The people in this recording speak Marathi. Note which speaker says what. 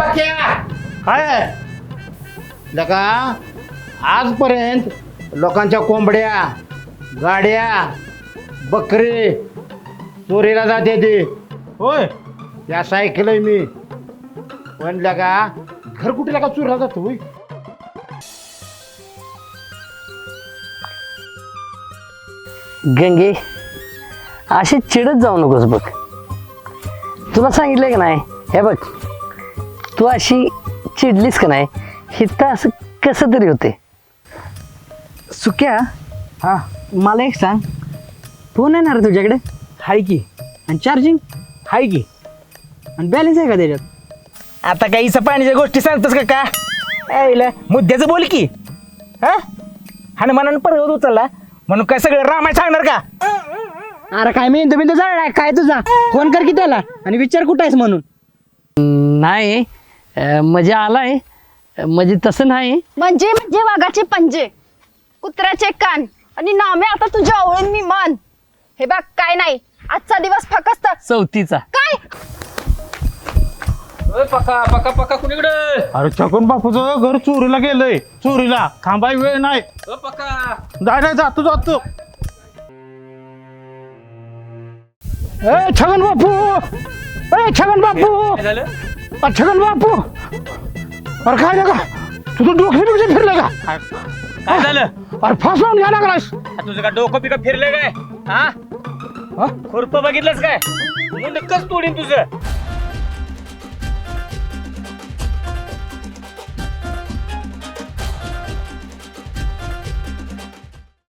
Speaker 1: पक्या
Speaker 2: काय
Speaker 1: लका आजपर्यंत लोकांच्या कोंबड्या गाड्या बकरी चोरीला जाते ते
Speaker 2: होय
Speaker 1: या ऐकलंय मी पण लका घर कुठे लका चोरीला जातो होय
Speaker 3: गंगे अशी चिडत जाऊ नकोस बघ. तुला सांगितलंय का नाही, हे बघ तू अशी चिडलीस का नाही हिथं असं कसं तरी होते.
Speaker 4: सुक्या हा मला एक सांग, फोन येणार आहे तुझ्याकडे? हाय की. आणि चार्जिंग हाय की. आणि बॅलन्स आहे का त्याच्यात?
Speaker 5: आता काही इसा पाण्याच्या गोष्टी सांगतोस का यायला मुद्द्याचं बोल की. हा हनुमानानं पर्वत उचलला म्हणून काय सगळं रामायण सांगणार का?
Speaker 4: अरे काय मी तुम्ही तुझा काय तुझा फोन कर की त्याला आणि विचार कुठं आहेस म्हणून.
Speaker 3: नाही म्हणजे आलाय म्हणजे तसं नाही.
Speaker 6: म्हणजे म्हणजे वाघाचे पंजे कुत्र्याचे कान आणि नामे आता तुझ्या आवळून मी मान. हे बघ काय नाही, आजचा दिवस फकस्त
Speaker 3: चौथीचा.
Speaker 6: काय
Speaker 5: पक्का पक्का पक्का कुणीकडे
Speaker 2: अरे छगन बापूचं घर चोरीला गेलंय. चोरीला थांबाय वेळ नाही.
Speaker 5: पक्का
Speaker 2: जाय नाही जातो जातो.
Speaker 1: ए छगन बापू ए छगन बापू
Speaker 5: झालं
Speaker 1: छगन बापू अरे काय लका तुझं डोकं बिकं फिरलं का
Speaker 5: काय झालं?
Speaker 1: अरे फास लावून घ्या लागलास
Speaker 5: तुझं का डोकं पिकं फिरलं काय? हा खुरप बघितलंस काय? मुंडकच तोडीन तुझं.